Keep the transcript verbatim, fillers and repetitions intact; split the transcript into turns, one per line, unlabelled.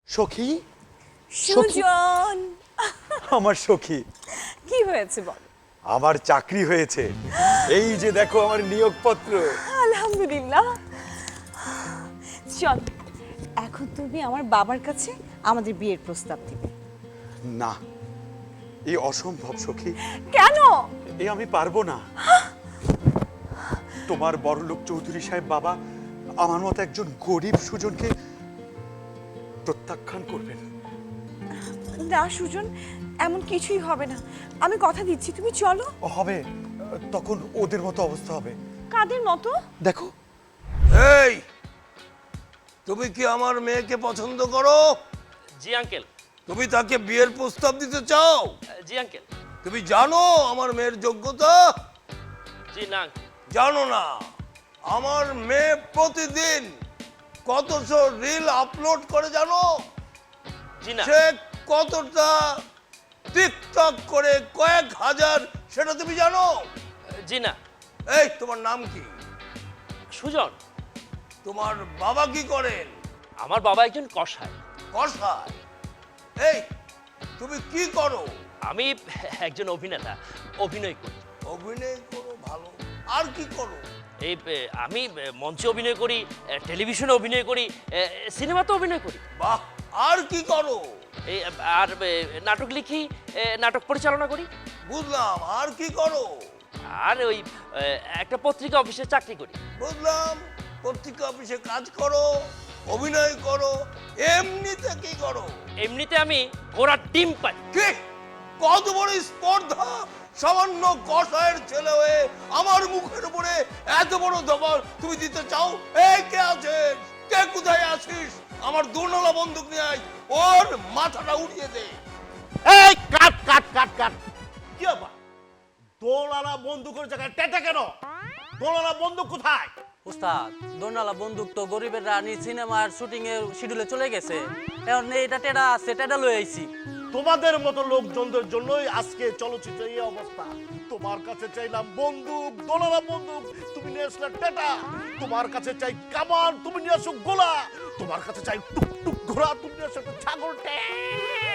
সখী,
সুজন,
আমার সখী,
কি হয়েছে বল?
আমার চাকরি হয়েছে। এই যে দেখো আমার নিয়োগপত্র।
আলহামদুলিল্লাহ। চল, এখন তুমি আমার বাবার কাছে আমাদের বিয়ের প্রস্তাব দিবে।
না, এই অসম্ভব সখী।
কেন?
এই আমি পারবো না। তোমার বড়লোক চৌধুরী সাহেব বাবা আমার মতো একজন গরিব সুজনকে প্রত্যাখ্যান করবেন।
না সুজন, এমন কিছুই হবে না। আমি কথা দিচ্ছি, তুমি চলো।
হবে, তখন ওদের মতো অবস্থা হবে।
কাদের মতো?
দেখো,
এই, তুমি কি আমার মেয়েকে পছন্দ করো?
জি আঙ্কেল।
তুমি তাকে বিয়ের প্রস্তাব দিতে চাও?
জি আঙ্কেল।
তুমি জানো আমার মেয়ের যোগ্যতা?
জি না।
জানো না? আমার মেয়ে প্রতিদিন কতশো রিল আপলোড করে জানো?
জি না।
সে কতটা টিকটক করে কয়েক হাজার, সেটা তুমি জানো?
জি না।
এই, তোমার নাম কি?
সুজন।
তোমার বাবা কি করেন?
আমার বাবা একজন কসাই।
কসাই? এই, তুমি কি করো?
আমি একজন অভিনেতা, অভিনয় করি।
অভিনয় করো, ভালো। আর কি করো?
এই এ, আমি এ, মঞ্চে অভিনয় করি, এ, টেলিভিশনে অভিনয় করি, এ, সিনেমাতে অভিনয় করি।
বাহ, আর কি করো?
এই এ, আর এ, নাটক লিখি, এ, নাটক পরিচালনা করি।
বুঝলাম, আর কি করো?
আর ওই এ, একটা পত্রিকা অফিসে চাকরি করি।
বুঝলাম, পত্রিকা অফিসে কাজ করো, অভিনয় করো, এমনিতে কি করো?
এমনিতে আমি ঘোড়ার ডিম পাই।
কি কত বড় স্পর্ধা! সামান্য কসাইয়ের ছেলে হয়ে আমার মুখের উপরে এত বড় দখল তুমি দিতে চাও? এই, কে আছিস? কে কোথায় আছিস? আমার দুর্নলা বন্দুক নিয়ে আয়, ওর মাথাটা উড়িয়ে দে।
এই কাট কাট কাট কাট কি ব্যাপার? দোলালা বন্দুকের জায়গায় টেটা কেন? দোলালা বন্দুক কোথায়?
উস্তাদ, দোনালা বন্দুক তো গরিবের রানী সিনেমার শুটিং এর শিডিউলে চলে গেছে। এখন এটা টেডা আছে, টেডা লই আইছি।
তোমাদের মতো লোকজনদের জন্যই আজকে চলচ্চিত্রের এই অবস্থা। তোমার কাছে চাইলাম বন্দুক, দোলালা বন্দুক, তুমি নিয়ে আসলে টেটা। তোমার কাছে চাই কামান, তুমি নিয়ে আসো গোলা। তোমার কাছে চাই টুক টুক ঘোড়া, তুমি নিয়ে আসো একটা ছাগল ট্যাঁ।